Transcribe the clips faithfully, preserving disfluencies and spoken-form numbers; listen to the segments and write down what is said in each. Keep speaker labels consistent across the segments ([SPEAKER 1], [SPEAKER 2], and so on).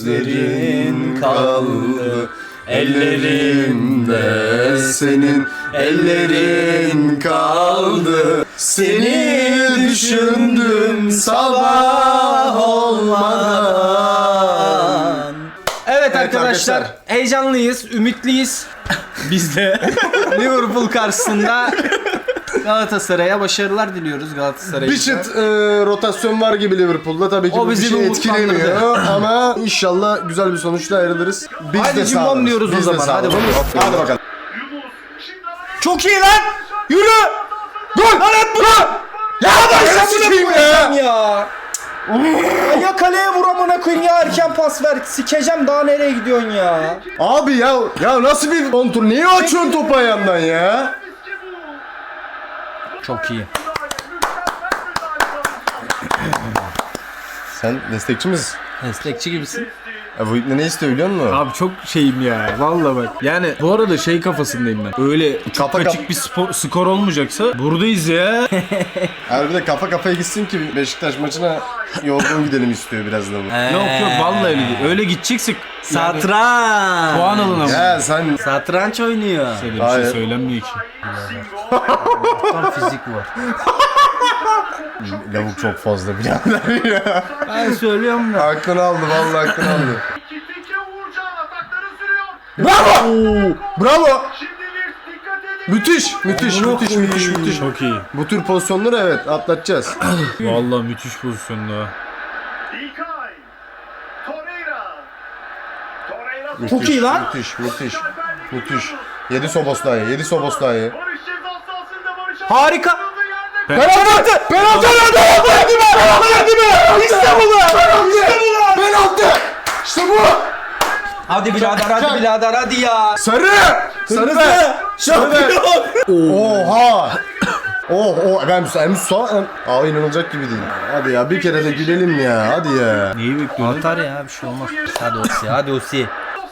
[SPEAKER 1] gözlerin kaldı. Ellerimde senin ellerin kaldı. Seni düşündüm sabah olmadan.
[SPEAKER 2] Evet arkadaşlar, arkadaşlar heyecanlıyız, ümitliyiz. Biz de Liverpool karşısında Galatasaray'a başarılar diliyoruz Galatasaray'a.
[SPEAKER 1] Bir çıt e, rotasyon var gibi Liverpool'da, tabii ki
[SPEAKER 2] o
[SPEAKER 1] bu bir şey etkilemiyor ama inşallah güzel bir sonuçla ayrılırız. Biz
[SPEAKER 2] hadi
[SPEAKER 1] de
[SPEAKER 2] cimbom diyoruz o zaman. Hadi bakalım.
[SPEAKER 1] Hadi bakalım.
[SPEAKER 2] Çok iyi lan! Yürü! Gol! Lan at bunu! Ya ben sikeyim ya! ya. Ya kaleye vur amına koyayım ya, erken pas ver. Sikeceğim, daha nereye gidiyorsun ya?
[SPEAKER 1] Abi ya ya nasıl bir kontur? Niye açıyorsun topu ayağından ya?
[SPEAKER 2] Çok iyi.
[SPEAKER 1] Sen destekçi misin?
[SPEAKER 2] Destekçi gibisin.
[SPEAKER 1] Ya bu ne istiyor biliyor musun?
[SPEAKER 3] Abi çok şeyim ya. Vallahi bak. Yani bu arada şey kafasındayım ben. Öyle çok
[SPEAKER 1] Kafa
[SPEAKER 3] açık
[SPEAKER 1] kap-
[SPEAKER 3] bir spor, skor olmayacaksa buradayız ya.
[SPEAKER 1] Abi bir de kafa kafaya gitsin ki Beşiktaş maçına yorgun gidelim istiyor biraz da bu.
[SPEAKER 3] Yok yok vallahi öyle değil. Öyle gideceksek yani
[SPEAKER 2] Satranç.
[SPEAKER 3] puan alın ama.
[SPEAKER 1] Ya sen
[SPEAKER 2] Satranç oynuyor.
[SPEAKER 3] Öyle bir
[SPEAKER 1] Hayır.
[SPEAKER 3] şey söylenmiyor ki.
[SPEAKER 2] Tam fizik var.
[SPEAKER 1] lavuk çok fazla birader ya.
[SPEAKER 2] Ben söylüyorum da.
[SPEAKER 1] Hakkını aldı, vallahi hakkını aldı.
[SPEAKER 2] Bravo!
[SPEAKER 1] Bravo. Müthiş, müthiş, müthiş, müthiş, müthiş.
[SPEAKER 3] Çok iyi.
[SPEAKER 1] Bu tür pozisyonları evet atlatacağız.
[SPEAKER 3] Vallahi müthiş pozisyonda.
[SPEAKER 2] Çok iyi lan.
[SPEAKER 1] Müthiş, müthiş, müthiş. Yedi Soboslay, yedi Soboslay.
[SPEAKER 2] Harika.
[SPEAKER 1] Penaltı! Penaltı! Penaltı! Hadi be! Hadi be! İşte bu lan! İşte bu lan! Penaltı! İşte bu!
[SPEAKER 2] Hadi birader, hadi birader, hadi ya.
[SPEAKER 1] Sarı! Sarı be!
[SPEAKER 2] Şampiyon.
[SPEAKER 1] Oha! Oh oh ben hem sağ Aa inanılacak gibi değil. Hadi ya bir kere de gülelim ya. Hadi ya.
[SPEAKER 3] Neyi bekliyorsun?
[SPEAKER 2] Atar ya, bir şey olmaz. Hadi Osi, hadi Osi.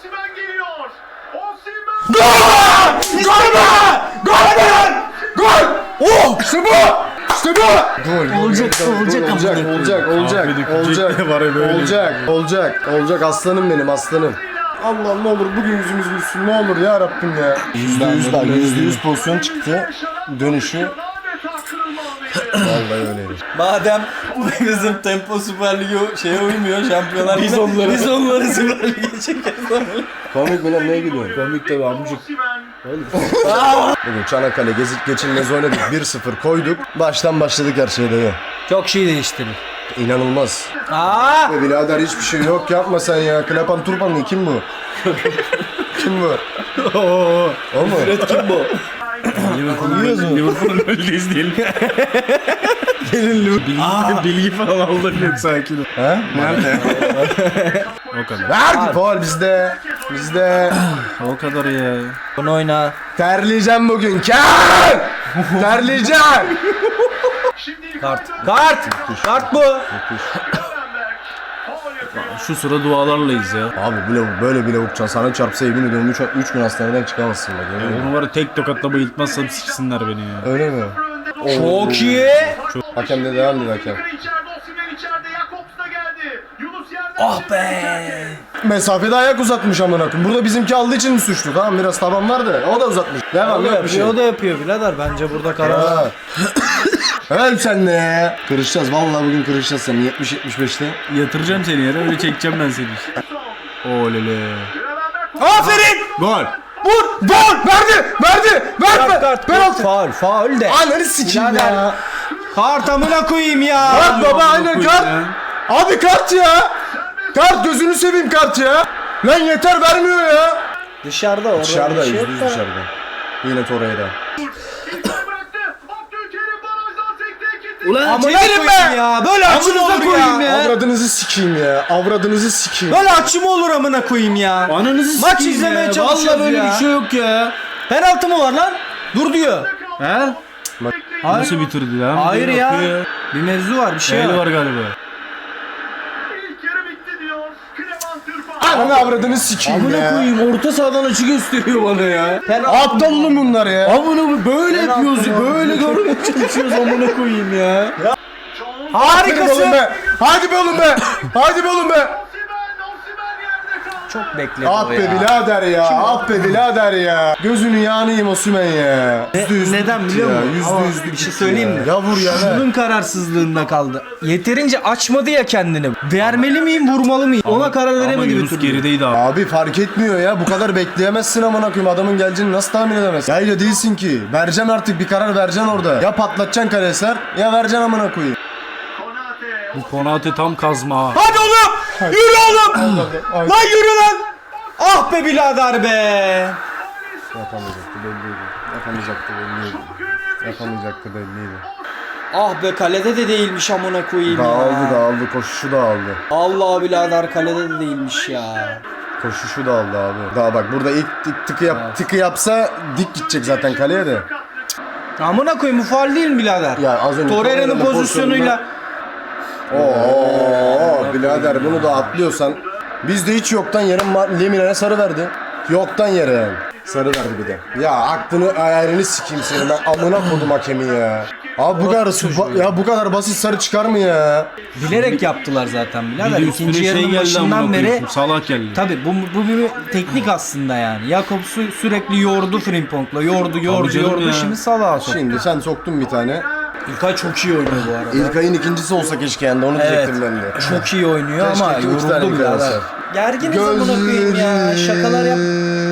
[SPEAKER 1] Gol! Gol be! Gol be! Gol! Oh! İşte bu! İşte bu! Gol!
[SPEAKER 2] Olacak, olacak ama.
[SPEAKER 1] olacak, olacak, olacak,
[SPEAKER 3] Affedin,
[SPEAKER 1] olacak,
[SPEAKER 3] küçük de var ya böyle.
[SPEAKER 1] olacak, olacak, olacak. Aslanım benim, aslanım. Allah'ım ne olur bugün yüzümüz gülsün, ne olur ya Rabbim ya. Yüzde yüz bak, yüzde yüz pozisyon çıktı. Dönüşü. Vallahi öyleydi.
[SPEAKER 2] Madem bizim Tempo Süper Lig'e şeye uymuyor, Şampiyonlar Ligi'ne, biz onları biz onları Süper Lig'e çekeriz.
[SPEAKER 1] Komik mi lan, neye gülüyorsun?
[SPEAKER 3] Komik tabi amcık.
[SPEAKER 1] Bugün Çanakkale gezip geçilmez oynadık, bir sıfır koyduk. Baştan başladık her şeyde ya.
[SPEAKER 2] Çok şey değiştirir.
[SPEAKER 1] İnanılmaz.
[SPEAKER 2] Aa!
[SPEAKER 1] Be birader hiçbir şey yok, yapma sen ya. Klapan Turpanlı kim bu? Kim bu?
[SPEAKER 3] Oo.
[SPEAKER 1] O mu?
[SPEAKER 2] Kim bu?
[SPEAKER 3] Liverpool'un Liverpool'un önündeyiz diyelim. Gelin Liverpool. Bilgi, bilgi falan aldım yok, sakin ol.
[SPEAKER 1] He?
[SPEAKER 3] Nerede? O kadar.
[SPEAKER 1] Verdi faul bizde. Bizde.
[SPEAKER 3] O kadar ya.
[SPEAKER 2] Bunu oyna.
[SPEAKER 1] Terleyeceğim bugün. Ker! Terleyeceğim.
[SPEAKER 2] Kart. Kart! Kart bu.
[SPEAKER 3] Şu sıra dualarlayız ya.
[SPEAKER 1] Abi bu lavuk böyle bir lavuk sana çarpsa yemin ediyorum üç gün hastaneden çıkamazsın bak. yemin ediyorum.
[SPEAKER 3] Onu var ya tek tokatla bayıltmazsam siksinler beni ya.
[SPEAKER 1] Öyle mi?
[SPEAKER 2] Çok iyi.
[SPEAKER 1] Hakem de devam dedi hakem.
[SPEAKER 2] Ah be.
[SPEAKER 1] Mesafede ayak uzatmış amına koyayım. Burada bizimki aldığı için mi suçlu? Tamam biraz taban var da o da uzatmış. Devam yok bir şey.
[SPEAKER 2] O da yapıyor birader, bence burada karar.
[SPEAKER 1] Ha. Öl sen de ya. Kırışacağız vallahi bugün kırışacağız seni yetmiş yetmiş beşte.
[SPEAKER 3] Yatıracağım seni yere, öyle çekeceğim ben seni. Olele.
[SPEAKER 2] Aferin.
[SPEAKER 3] Gol.
[SPEAKER 1] Vur! Gol! Verdi! Verdi! Verdi!
[SPEAKER 2] Kart.
[SPEAKER 1] Penaltı!
[SPEAKER 2] Faul, faul de.
[SPEAKER 1] Ananı sikeyim
[SPEAKER 2] Birader.
[SPEAKER 1] ya.
[SPEAKER 2] Kart amına koyayım ya.
[SPEAKER 1] Kart baba aynen
[SPEAKER 3] koyayım
[SPEAKER 1] kart.
[SPEAKER 3] ya.
[SPEAKER 1] Abi kart ya. Kart gözünü seveyim kart ya. Lan yeter vermiyor ya.
[SPEAKER 2] Dışarıda orada.
[SPEAKER 1] Dışarıda
[SPEAKER 2] bir şey
[SPEAKER 1] yüzde
[SPEAKER 2] yok
[SPEAKER 1] yüz
[SPEAKER 2] da.
[SPEAKER 1] dışarıda. Yine Torreira.
[SPEAKER 3] Ulan
[SPEAKER 2] Amına
[SPEAKER 3] çevirin
[SPEAKER 2] koyayım
[SPEAKER 3] be.
[SPEAKER 2] ya. Böyle açım
[SPEAKER 3] Amına
[SPEAKER 2] olur
[SPEAKER 3] koyayım
[SPEAKER 2] ya.
[SPEAKER 3] ya.
[SPEAKER 1] Avradınızı sikeyim ya. Avradınızı sikeyim.
[SPEAKER 2] Böyle açım olur amına koyayım ya.
[SPEAKER 3] Ananızı
[SPEAKER 2] Maç
[SPEAKER 3] sikeyim
[SPEAKER 2] izlemeye
[SPEAKER 3] ya.
[SPEAKER 2] çalışıyoruz
[SPEAKER 3] Vallahi böyle
[SPEAKER 2] ya.
[SPEAKER 3] bir şey yok ya.
[SPEAKER 2] Penaltı mı var lan? Dur diyor.
[SPEAKER 3] He? Nasıl bitirdi lan?
[SPEAKER 2] Hayır
[SPEAKER 3] Bir
[SPEAKER 2] ya.
[SPEAKER 3] bakıyor.
[SPEAKER 2] Bir mevzu var, bir şey
[SPEAKER 3] Şeyli
[SPEAKER 2] var.
[SPEAKER 3] var galiba.
[SPEAKER 1] Ananı avradını sikeyim
[SPEAKER 3] Amına
[SPEAKER 1] ya.
[SPEAKER 3] koyayım, orta sahadan açı gösteriyor bana ya.
[SPEAKER 1] Aptal oğlum bunlar ya.
[SPEAKER 3] Amına böyle yapıyoruz, böyle görmeye çalışıyoruz amına koyayım ya.
[SPEAKER 1] Hadi be oğlum
[SPEAKER 2] Harikasın.
[SPEAKER 1] be. Hadi be oğlum be. Hadi be oğlum be.
[SPEAKER 2] Çok bekledi
[SPEAKER 1] Ah
[SPEAKER 2] o
[SPEAKER 1] be
[SPEAKER 2] ya.
[SPEAKER 1] birader ya. Ah be birader ya. Gözünü yağını yiyeyim Osimhen ya. Yüzde yüz
[SPEAKER 2] Neden biliyor
[SPEAKER 1] ya,
[SPEAKER 2] musun?
[SPEAKER 1] Yüzde
[SPEAKER 2] Ama
[SPEAKER 1] yüz
[SPEAKER 2] bir şey söyleyeyim mi?
[SPEAKER 1] Ya vur ya.
[SPEAKER 2] Şunun kararsızlığında kaldı. Yeterince açmadı ya kendini. Vermeli miyim, vurmalı mıyım? Ona karar
[SPEAKER 3] Ama
[SPEAKER 2] veremedi bir
[SPEAKER 3] Yunus
[SPEAKER 2] türlü.
[SPEAKER 3] gerideydi abi.
[SPEAKER 1] Abi fark etmiyor ya. Bu kadar bekleyemezsin amına koyayım. Adamın geleceğini nasıl tahmin edemezsin? Ya öyle değilsin ki. Vereceksin artık bir karar vereceksin orada. Ya patlatacaksın kareser ya vereceksin amına koyayım.
[SPEAKER 3] Bu Konate tam kazma ha.
[SPEAKER 2] Hadi oğlum! Yürü oğlum!
[SPEAKER 1] Ay.
[SPEAKER 2] Lan yürü lan! Ah be birader be!
[SPEAKER 1] Yapamayacaktı belliydi. Yapamayacaktı belliydi. Yapamayacaktı belliydi.
[SPEAKER 2] Ah be kalede de değilmiş amına koyayım ya.
[SPEAKER 1] Dağıldı dağıldı. Koşuşu dağıldı.
[SPEAKER 2] Allah birader kalede de değilmiş ya.
[SPEAKER 1] Koşuşu dağıldı abi. Daha bak burada ilk, ilk tıkı, yap, tıkı yapsa dik gidecek zaten kaleye de.
[SPEAKER 2] Amına koyayım bu faul değil mi birader?
[SPEAKER 1] Ya az önce
[SPEAKER 2] Torreira'nın
[SPEAKER 1] Torreira'nın
[SPEAKER 2] pozisyonuyla
[SPEAKER 1] Oo birader bunu da atlıyorsan. Bizde hiç yoktan yere Ma- Lemina'ya sarı verdi. Yoktan yere yani. Sarı verdi bir de. Ya aklını ayarını sikeyim senin ben amına kodum hakemi ya. Abi bu kadar ba- ya bu kadar basit sarı çıkar mı ya?
[SPEAKER 2] bilerek yaptılar zaten
[SPEAKER 3] Bir
[SPEAKER 2] birader.
[SPEAKER 3] de
[SPEAKER 2] İkinci
[SPEAKER 3] üstüne şey
[SPEAKER 2] yarının
[SPEAKER 3] geldi
[SPEAKER 2] başından
[SPEAKER 3] amına
[SPEAKER 2] beri
[SPEAKER 3] koyayım. Salah geldi.
[SPEAKER 2] tabi bu, bu bir teknik aslında yani. Jakobs'u sürekli yordu Frimpong'la. Yordu, yordu,
[SPEAKER 3] canım
[SPEAKER 2] yordu.
[SPEAKER 3] ya.
[SPEAKER 2] Şimdi Salah'a soktu.
[SPEAKER 1] Şimdi sen soktun bir tane.
[SPEAKER 2] İlkay çok iyi oynuyor bu arada.
[SPEAKER 1] İlkay'ın ikincisi olsa keşke yani onu
[SPEAKER 2] Evet.
[SPEAKER 1] diyecektim ben de.
[SPEAKER 2] Çok iyi oynuyor
[SPEAKER 1] Keşke
[SPEAKER 2] ama
[SPEAKER 1] iki üç tane
[SPEAKER 2] yoruldu
[SPEAKER 1] İlkay
[SPEAKER 2] birader.
[SPEAKER 1] olsa.
[SPEAKER 2] Gerginiz amına koyayım ya. Şakalar yap.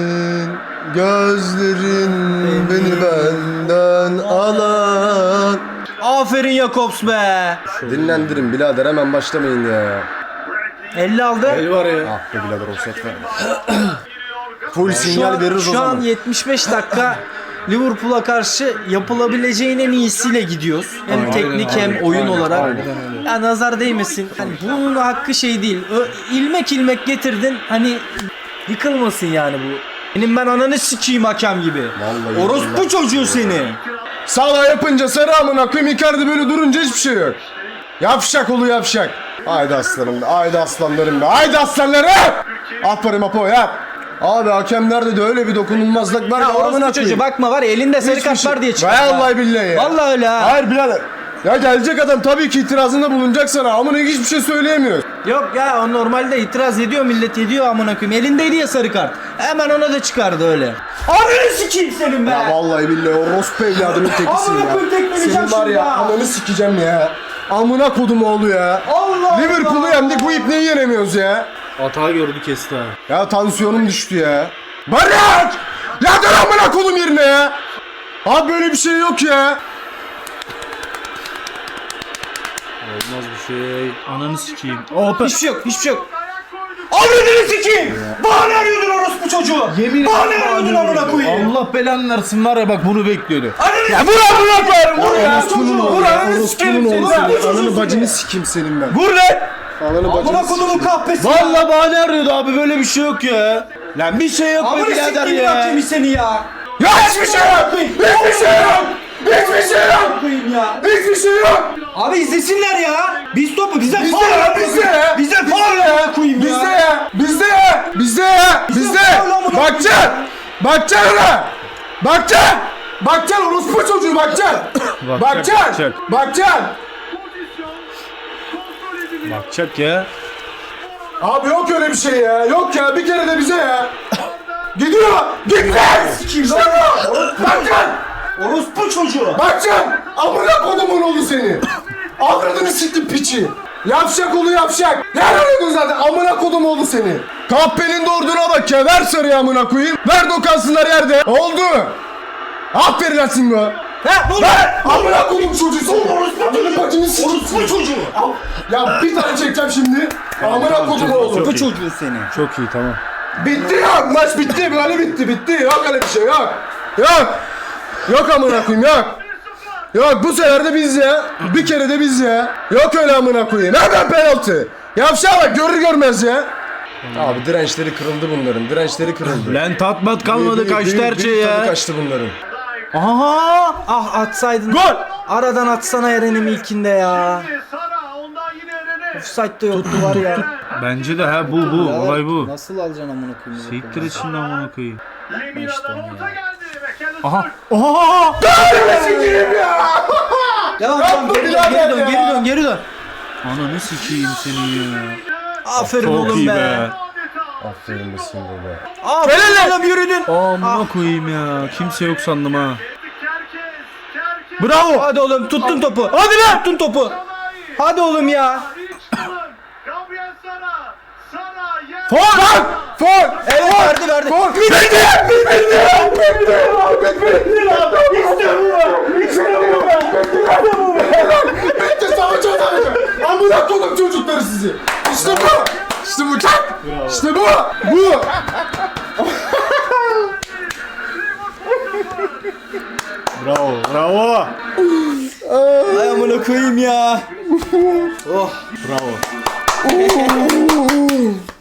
[SPEAKER 1] Gözlerin beni benden alan.
[SPEAKER 2] Aferin Jakobs be.
[SPEAKER 1] Dinlendirin birader hemen başlamayın ya.
[SPEAKER 2] elli aldı.
[SPEAKER 3] El var ya.
[SPEAKER 1] Ah be birader offset ver. Full sinyal veririz o
[SPEAKER 2] Şu an
[SPEAKER 1] zaman.
[SPEAKER 2] yetmiş beş dakika Liverpool'a karşı yapılabileceğin en iyisiyle gidiyoruz. Hem
[SPEAKER 1] Aynen,
[SPEAKER 2] teknik
[SPEAKER 1] aynen,
[SPEAKER 2] hem oyun
[SPEAKER 1] aynen,
[SPEAKER 2] olarak.
[SPEAKER 1] aynen
[SPEAKER 2] Ya nazar değmesin. Hani bunun hakkı şey değil. Ö, ilmek ilmek getirdin. Hani yıkılmasın yani bu. Benim ben ananı sikeyim hakem gibi.
[SPEAKER 1] Vallahi
[SPEAKER 2] Orospu
[SPEAKER 1] billahi.
[SPEAKER 2] çocuğu seni.
[SPEAKER 1] Sağla yapınca sarı amına koyayım Icardi böyle durunca hiçbir şey yok. Yavşak olu yavşak. Haydi aslanım be, haydi aslanlarım be, haydi aslanlarım. Aferin Apo ya. Abi hakemlerde de öyle bir dokunulmazlık var
[SPEAKER 2] Ya
[SPEAKER 1] ya amına
[SPEAKER 2] orospu çocuğu
[SPEAKER 1] koyayım.
[SPEAKER 2] bakma var ya elinde sarı
[SPEAKER 1] Hiçbir
[SPEAKER 2] kart
[SPEAKER 1] şey-
[SPEAKER 2] var diye çıktı.
[SPEAKER 1] Vallahi billahi ya.
[SPEAKER 2] Vallahi öyle ha.
[SPEAKER 1] Hayır birader. Ya gelecek adam tabii ki itirazında bulunacak sana. Amına hiçbir şey söyleyemiyor.
[SPEAKER 2] Yok ya o normalde itiraz ediyor millet ediyor amına koyayım. Elindeydi ya sarı kart. Hemen ona da çıkardı öyle. Ananı sikeyim senin be.
[SPEAKER 1] Ya vallahi billahi o Rospe evladının tekisin
[SPEAKER 2] Amına
[SPEAKER 1] ya.
[SPEAKER 2] koyayım, tekmeleyeceğim
[SPEAKER 1] Senin var
[SPEAKER 2] şimdi
[SPEAKER 1] ya
[SPEAKER 2] ya.
[SPEAKER 1] ananı sikeceğim ya. Amına kodum oğlu ya.
[SPEAKER 2] Allah
[SPEAKER 1] Liverpool'u
[SPEAKER 2] Allah.
[SPEAKER 1] yendik bu ipneyi yenemiyoruz ya.
[SPEAKER 3] Hata gördü kesti ha.
[SPEAKER 1] Ya tansiyonum düştü ya. Barış! Ya dur amına kodum yerine ya. Abi böyle bir şey yok ya.
[SPEAKER 3] Olmaz bir şey. Ananı sikeyim. Hop.
[SPEAKER 2] Hiçbir şey yok, hiçbir şey yok. Avradını sikeyim! Bana ne arıyordun orospu çocuğu?
[SPEAKER 3] Yemin
[SPEAKER 2] Bana ne arıyordun amına koyayım?
[SPEAKER 3] Allah belanı versin var ya bak bunu bekliyordu.
[SPEAKER 2] Ananı ya vur amına koyarım vur ya
[SPEAKER 1] Orospunun
[SPEAKER 2] çocuğu
[SPEAKER 1] oğlu
[SPEAKER 2] vur
[SPEAKER 1] ya.
[SPEAKER 2] ananı
[SPEAKER 1] Orospunun
[SPEAKER 2] sikerim
[SPEAKER 1] oğlu
[SPEAKER 2] seni
[SPEAKER 1] seni.
[SPEAKER 2] vur
[SPEAKER 1] Ananı
[SPEAKER 2] çocuğu
[SPEAKER 1] bacını
[SPEAKER 2] seni.
[SPEAKER 1] sikeyim senin ben.
[SPEAKER 2] Vur lan!
[SPEAKER 1] Ananı
[SPEAKER 2] Amına
[SPEAKER 1] bacını
[SPEAKER 2] kodumun
[SPEAKER 1] sikeyim.
[SPEAKER 2] kahpesi ya!
[SPEAKER 3] Vallahi bahane arıyordu abi böyle bir şey yok ya. Lan bir şey yok be
[SPEAKER 2] Amına
[SPEAKER 3] birader
[SPEAKER 2] sikeyim
[SPEAKER 3] ya.
[SPEAKER 2] hakemi seni ya!
[SPEAKER 1] Ya hiçbir şey yok. Hiçbir şey yok. Hiçbir şey yok.
[SPEAKER 2] Koyayım ya!
[SPEAKER 1] Hiçbir şey yok.
[SPEAKER 2] Abi izlesinler ya! Biz topu bize
[SPEAKER 1] Bizde
[SPEAKER 2] faul
[SPEAKER 1] ya,
[SPEAKER 2] ya!
[SPEAKER 1] bizde ya.
[SPEAKER 2] Bize faul ya! Koyayım
[SPEAKER 1] Bizde
[SPEAKER 2] ya!
[SPEAKER 1] ya. Bizde ya. Bizde ya. Bizde.
[SPEAKER 2] faul amına
[SPEAKER 1] Bakacaksın. Bakacaksın ona. Bakacaksın. Bakacaksın orospu çocuğu bakacaksın. Bakacaksın.
[SPEAKER 3] bakacak.
[SPEAKER 1] Bakacaksın.
[SPEAKER 3] Bakacak ya.
[SPEAKER 1] Abi yok öyle bir şey ya. Yok ya bir kere de bize ya. Gidiyor. Gitmez. İşte bu. Bakacaksın.
[SPEAKER 2] Orospu çocuğu!
[SPEAKER 1] Bakacaksın. Amına kodumun oğlu seni. Avradını siktim piçi. Yavşak oğlu yavşak. Ne arıyordun zaten amına kodum oğlu seni. Kahpenin doğurduğuna bak ya. Ver sarıyı amına koyayım. Ver dokansınlar yerde. Oldu. Aferin lan Singo.
[SPEAKER 2] Ha vur!
[SPEAKER 1] Ver. Amına kodum çocuğu seni. Amına bacını siktim.
[SPEAKER 2] Orospu çocuğu!
[SPEAKER 1] Ya bir tane çekeceğim şimdi. Amına kodum
[SPEAKER 3] çok-
[SPEAKER 1] oğlu.
[SPEAKER 2] Orospu çocuğu seni!
[SPEAKER 3] Çok iyi tamam.
[SPEAKER 1] Bitti ya. Maç bitti. Böyle bitti. Bitti. Yok öyle bir şey yok. Yok. Yok amına koyayım yok. Yok bu sefer de biz ya. Bir kere de biz ya. Yok öyle amına koyayım. Nereden penaltı? Yavşağa bak görür görmez ya. Abi dirençleri kırıldı bunların. Dirençleri kırıldı.
[SPEAKER 3] Lan tatmat kalmadı
[SPEAKER 1] Bir- bir-
[SPEAKER 3] kaçtı
[SPEAKER 1] bir-
[SPEAKER 3] her
[SPEAKER 1] bir
[SPEAKER 3] şey
[SPEAKER 1] tadı
[SPEAKER 3] ya.
[SPEAKER 1] kaçtı bunların.
[SPEAKER 2] Aha! Ah atsaydın.
[SPEAKER 1] Gol!
[SPEAKER 2] Aradan atsana Eren'im ilkinde ya. Offside'da yoktu var ya.
[SPEAKER 3] Bence de ha bu bu olay bu.
[SPEAKER 2] Nasıl alacaksın amına koyayım?
[SPEAKER 3] Siktir içinde amına koyayım.
[SPEAKER 2] Aha.
[SPEAKER 3] Oha!
[SPEAKER 1] Sikeyim ya.
[SPEAKER 2] Devam
[SPEAKER 1] Yapma
[SPEAKER 2] devam geri dön
[SPEAKER 1] birader
[SPEAKER 2] geri dön
[SPEAKER 1] ya.
[SPEAKER 2] geri dön geri dön.
[SPEAKER 3] Ananı sikeyim seni ya.
[SPEAKER 2] Aferin
[SPEAKER 3] Çok
[SPEAKER 2] oğlum
[SPEAKER 3] iyi
[SPEAKER 2] be.
[SPEAKER 3] be.
[SPEAKER 1] Aferin misin be.
[SPEAKER 2] Aa oğlum yürüdün.
[SPEAKER 3] Amına koyayım ya. Kimse yok sandım ha.
[SPEAKER 2] Bravo. Hadi oğlum tuttun topu. Hadi lan tuttun topu. Hadi oğlum ya.
[SPEAKER 1] Fol! Fol!
[SPEAKER 2] Evet verdi verdi.
[SPEAKER 1] Fol! Bitti! Bitti! Bitti! İşte bu be! İşte bu be! İşte bu be! Bitti savaşacağız abi! Amına koydum çocukları sizi! İşte bu! İşte bu çak! İşte bu! Bu!
[SPEAKER 3] Bravo, bravo.
[SPEAKER 2] Ay amına koyayım ya. Oh.
[SPEAKER 3] Bravo.